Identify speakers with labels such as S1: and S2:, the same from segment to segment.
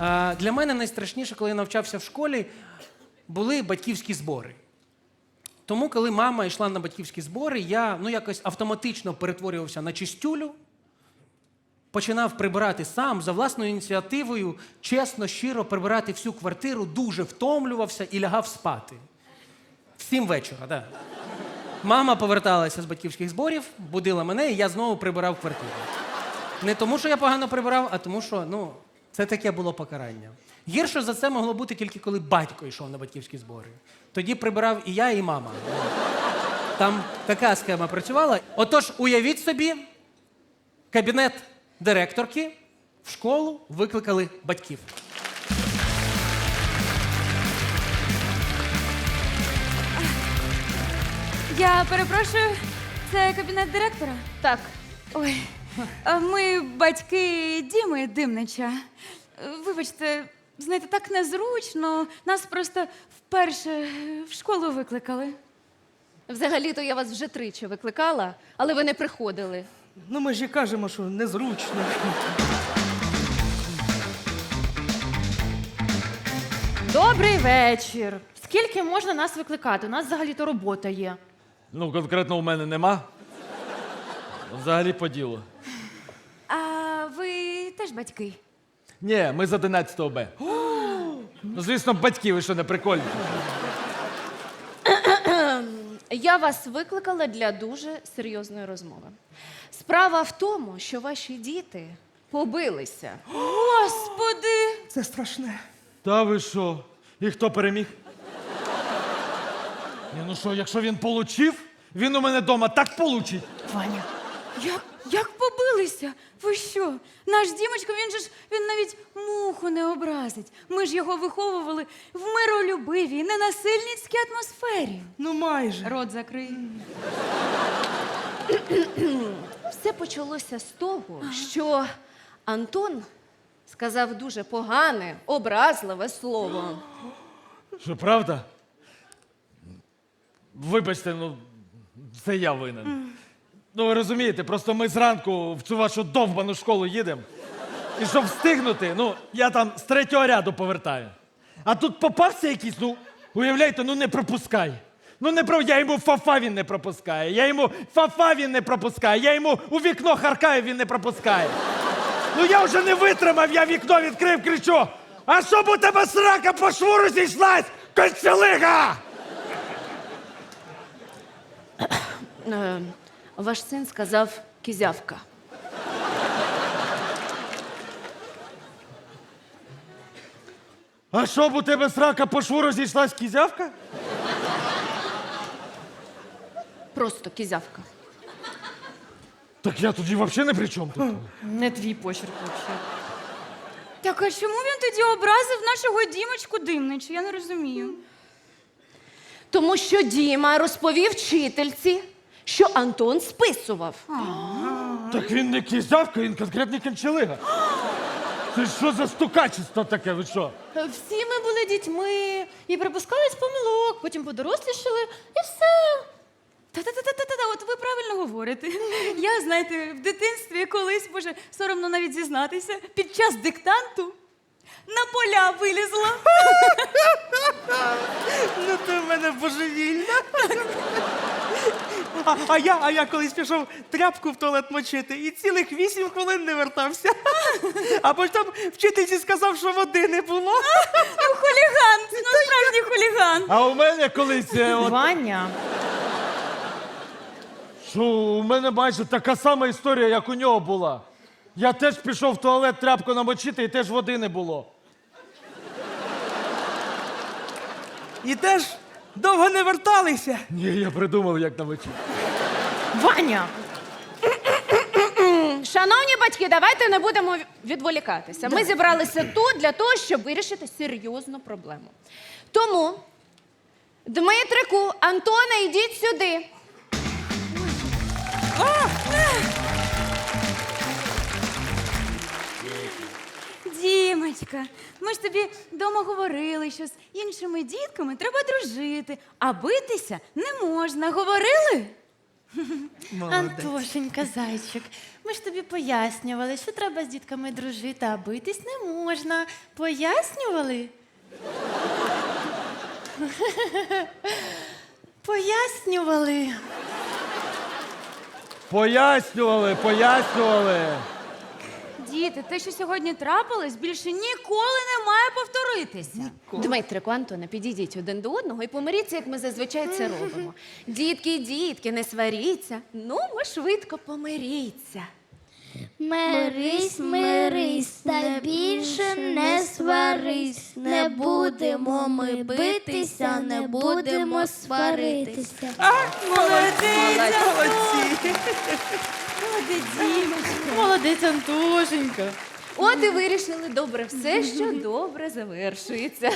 S1: Для мене найстрашніше, коли я навчався в школі, були батьківські збори. Тому, коли мама йшла на батьківські збори, я якось автоматично перетворювався на чистюлю, починав прибирати сам, за власною ініціативою, чесно, щиро прибирати всю квартиру, дуже втомлювався і лягав спати. В 7 вечора, так. Мама поверталася з батьківських зборів, будила мене, і я знову прибирав квартиру. Не тому, що я погано прибирав, а тому, що, це таке було покарання. Гірше за це могло бути тільки коли батько йшов на батьківські збори. Тоді прибирав і я, і мама. Там така схема працювала. Отож, уявіть собі, кабінет директорки, в школу викликали батьків.
S2: Я перепрошую, це кабінет директора?
S3: Так.
S2: Ой, ми батьки Діми Димнича. Вибачте, знаєте, так незручно. Нас просто вперше в школу викликали.
S3: Взагалі-то я вас вже 3 викликала, але ви не приходили.
S4: Ми ж і кажемо, що незручно.
S5: Добрий вечір. Скільки можна нас викликати? У нас взагалі-то робота є.
S6: Конкретно у мене нема. Взагалі по ділу.
S2: А ви теж батьки?
S6: Ні, ми з 11 Б. Звісно, батьки, ви що, не прикольні?
S3: Я вас викликала для дуже серйозної розмови. Справа в тому, що ваші діти побилися.
S2: Господи!
S4: Це страшне.
S6: Та ви що? І хто переміг? Ні, якщо він получив, він у мене вдома так получить.
S5: Ваня.
S2: Як побилися? Ви що? Наш Дімочка, він навіть муху не образить. Ми ж його виховували в миролюбивій, ненасильницькій атмосфері.
S4: Майже.
S2: Рот закрий.
S3: Все почалося з того, що Антон сказав дуже погане, образливе слово.
S6: Що, правда? Вибачте, це я винен. Ви розумієте, просто ми зранку в цю вашу довбану школу їдемо. І щоб встигнути, я там з 3-го ряду повертаю. А тут попався якийсь, уявляєте, не пропускай. Я йому фафа він не пропускає, я йому фафа він не пропускає, я йому у вікно харкаю, він не пропускає. Я вже не витримав, я вікно відкрив, кричу: а щоб у тебе срака по шву розійшлась, кольцелига!
S3: Ваш син сказав кізявка.
S6: А щоб у тебе срака по шву розійшлась, кізявка?
S3: Просто кізявка.
S6: Так я тоді взагалі не при чому тут.
S5: Не твій почерк взагалі.
S2: Так а чому він тоді образив нашого Дімочку Димнича? Я не розумію.
S3: Тому що Діма розповів вчительці, що Антон списував.
S6: Так він не кізявка, він конкретний кончелига. Це що за стукачество таке, ви що?
S5: Всі ми були дітьми і припускались помилок, потім подорослішали і все.
S2: Та-та-та-та-та, от ви правильно говорите. Я, знаєте, в дитинстві колись, боже, соромно навіть зізнатися, під час диктанту на поля вилізла.
S4: Ти в мене божевільна. А я колись пішов тряпку в туалет мочити і цілих 8 хвилин не вертався. А потім вчительці сказав, що води не було.
S2: Хуліган, справжній хуліган.
S6: А у мене колись...
S5: Ваня.
S6: Що, у мене майже така сама історія, як у нього була. Я теж пішов в туалет тряпку намочити і теж води не було.
S4: І теж довго не верталися.
S6: Ні, я придумав, як намочити.
S5: Ваня!
S3: Шановні батьки, давайте не будемо відволікатися. Ми зібралися тут для того, щоб вирішити серйозну проблему. Тому, Дмитрику, Антоне, йдіть сюди.
S2: Дімочка, ми ж тобі вдома говорили, що з іншими дітками треба дружити, а битися не можна. Говорили?
S5: Антошенька, зайчик, ми ж тобі пояснювали, що треба з дітками дружити, а битись не можна. Пояснювали? Пояснювали.
S6: Пояснювали.
S2: Діти, те, що сьогодні трапилось, більше ніколи не має повторитися.
S3: Дмитрику, Антоне, підійдіть один до одного і помиріться, як ми зазвичай це робимо. Дітки, не сваріться. Ну, ми швидко помиріться.
S7: Мирись, мирись, та більше не сварись. Не будемо ми битися, не будемо сваритися.
S4: Молодці!
S5: Молодець, Антошенька.
S3: От і вирішили добре все, що добре завершується.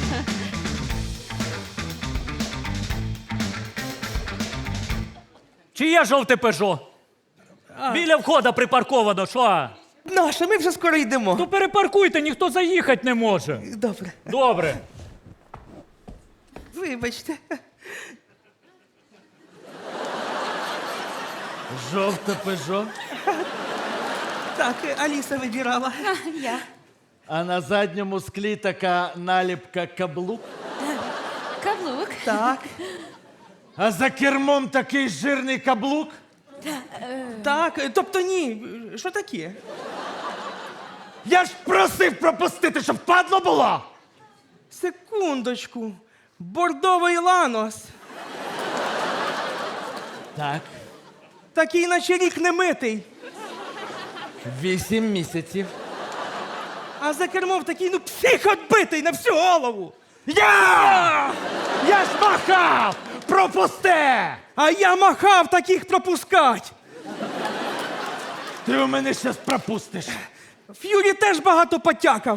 S8: Чиє жовте пежо? Біля входа припарковано, що?
S4: Наша, ми вже скоро йдемо.
S8: То перепаркуйте, ніхто заїхати не може.
S4: Добре.
S8: Добре.
S4: Вибачте.
S6: Жовте пежо.
S4: Так, Аліса вибирала.
S6: А на задньому склі така наліпка каблук.
S2: Каблук.
S4: Так,
S6: А за кермом такий жирний каблук.
S4: так, тобто ні. Що таке?
S6: Я ж просив пропустити, щоб падло було.
S4: Секундочку. Бордовий ланос.
S6: Так,
S4: Такий наче рік не митий.
S6: 8 місяців.
S4: А за кермом такий, ну, псих отбитий на всю голову.
S6: Я ж махав! Пропусти!
S4: А я махав таких пропускать.
S6: Ти у мене щас пропустиш.
S4: Ф'юрі теж багато потякав.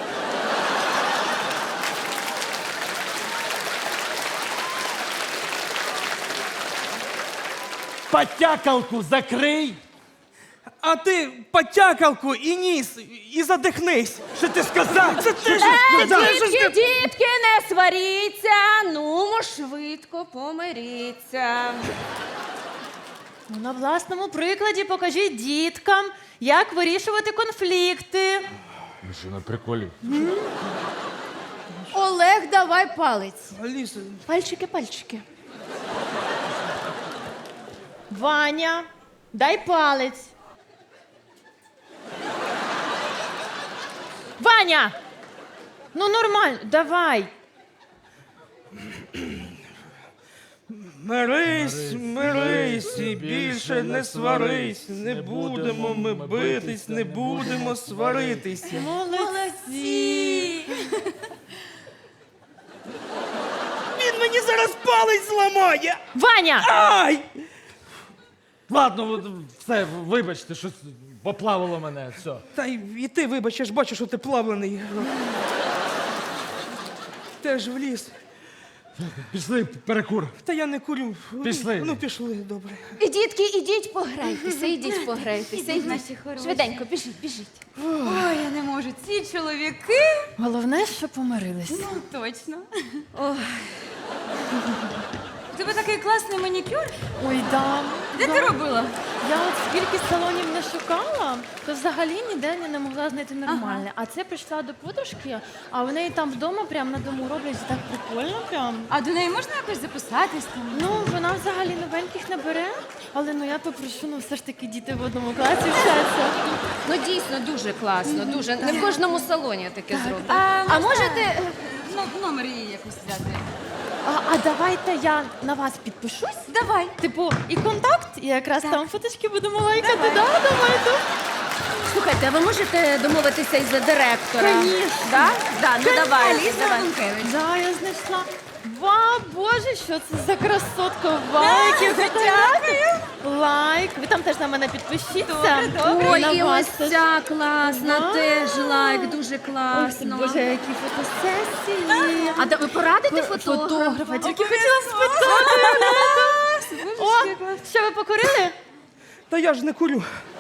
S6: Потякалку закрий.
S4: А ти потякалку і ніс, і задихнись.
S6: Що ти сказав?
S4: Це ти ж сказав.
S3: Дітки, не сваріться, ну, швидко помиріться.
S5: Ну, на власному прикладі покажіть діткам, як вирішувати конфлікти.
S6: Ви що, на приколі?
S3: Олег, давай палець.
S4: Аліса,
S3: Пальчики.
S5: Ваня, дай палець. Ваня! Ну нормально, давай.
S4: мирись і більше не сварись. Не будемо ми битись, не будемо сваритись.
S5: Молодці!
S4: Він мені зараз палець зламає.
S5: Ваня!
S4: Ай!
S6: Ладно, все, вибачте, щось поплавило мене, все.
S4: Та і ти, вибач, я ж бачу, що ти плавлений. Теж в ліс.
S6: Пішли, перекур.
S4: Та я не курю.
S6: Пішли.
S4: Ну, пішли, добре.
S3: І дітки, ідіть пограйтеся, ідіть пограйтеся.
S2: Ідіть, наші хороші.
S3: Швиденько, біжіть.
S2: Ой, я не можу. Ці чоловіки.
S5: Головне, що помирилися.
S2: Ну, точно. У тебе такий класний манікюр.
S5: Ой, да.
S2: Де ти робила?
S5: Я от скільки салонів не шукала, то взагалі ніде не могла знайти нормальне. А це прийшла до подружки, а в неї там вдома, прямо на дому роблять так прикольно прям.
S2: А до неї можна якось записатись там?
S5: Ну, вона взагалі новеньких не бере, але ну я попрошу, ну все ж таки діти в одному класі вчаться.
S3: Ну, дійсно, дуже класно, дуже. Не в кожному салоні таке зроблено.
S2: А
S3: А можете...
S2: Ну, номер її якось взяти.
S5: А давайте я на вас підпишусь.
S2: Давай.
S5: Типу, і контакт, і якраз там фоточки будемо лайкати. Да, давайте.
S3: Слухайте, а ви можете домовитися із директора?
S5: Конечно.
S3: Да? Да, ну давай.
S2: Аліса
S3: давай.
S2: Романкевич.
S5: Да, я знайшла. Вау, боже, що це за красотка? Вау, які фотографії. Лайк. Ви там теж на мене підпишіться.
S3: Ой,
S5: На
S3: і
S5: вас
S3: ось
S5: теж.
S3: ця класна,
S5: Да.
S3: теж лайк, дуже
S5: Ой,
S3: класно.
S5: боже, які фотосесії.
S3: А ви порадите фотографа?
S5: Фотографа, тільки хотіла спитати. О, що ви покурили?
S4: Та я ж не курю.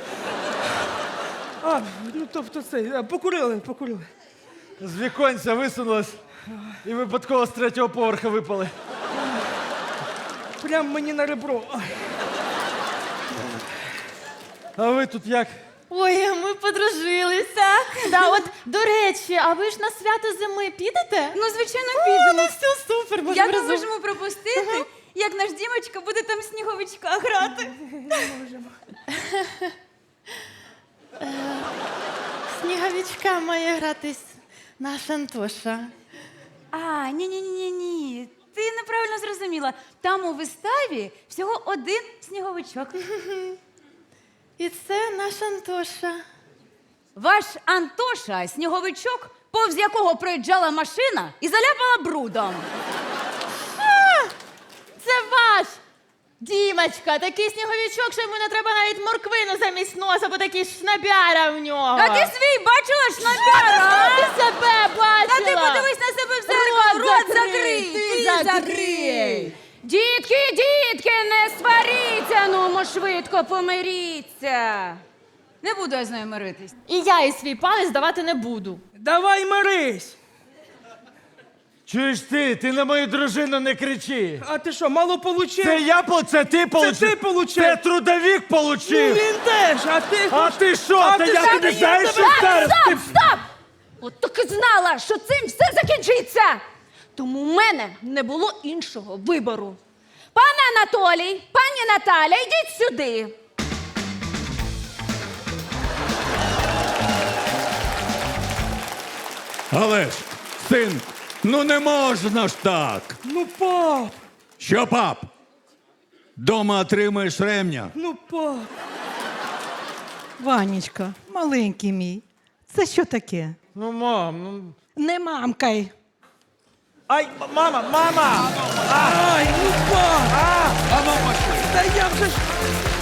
S4: А, ну тобто це, покурили.
S6: З віконця висунулась і випадково з 3-го поверха випали.
S4: Прям мені на ребро. Ай.
S6: А ви тут як?
S5: Ой, ми подружилися. Да, от, до речі, а ви ж на свято зими підете?
S2: Ну, звичайно,
S5: Ну,
S2: підемо.
S5: все супер,
S2: Як
S5: можемо
S2: ми
S5: разом.
S2: можемо пропустити, як наш Дімочка буде там сніговичка грати?
S5: Сніговичка має гратись наш Антоша.
S2: А, ні. Ти неправильно зрозуміла. Там у виставі всього один сніговичок.
S5: І це наш Антоша.
S2: Ваш Антоша сніговичок, повз якого проїжджала машина і заляпала брудом.
S5: Це ваш Дімочка, такий сніговичок, що йому не треба навіть морквину замість носа, бо такий шнабяра в нього.
S2: А ти свій бачила шнапяра?
S5: Ти себе бачила?
S2: Та ти подивись на себе в зеркало, рот закрий!
S5: Ти
S2: Ти
S5: закрий!
S3: Дітки, не сваріться, ну мо швидко помиріться.
S2: Не буду я з нею миритись.
S5: І я і свій палець давати не буду.
S4: Давай мирись!
S6: Чуєш ти на мою дружину не кричи.
S4: А ти що, мало получив?
S6: Це ти получив?
S4: ти получив.
S6: Це трудовік
S4: Ну,
S6: получив.
S4: він теж, а ти...
S6: А ти що?
S4: А
S6: Та
S4: ти
S6: я
S4: що,
S6: тобі
S4: я
S6: знаєш,
S4: тебе-
S6: що зараз? Ти...
S3: Стоп! От так і знала, що цим все закінчиться. Тому в мене не було іншого вибору. Пане Анатолій, пані Наталя, йдіть сюди.
S9: Але ж, син, ну не можна ж так.
S4: Ну, пап,
S9: Що, пап? Дома отримаєш ремня.
S4: ну, пап.
S10: Ванечка, маленький мій, це що таке?
S6: Ну, мам, ну...
S10: Не мамкай.
S4: Ай, мама! Ай, ну, пап!
S9: А ну, пошли.
S4: Та я вже ж...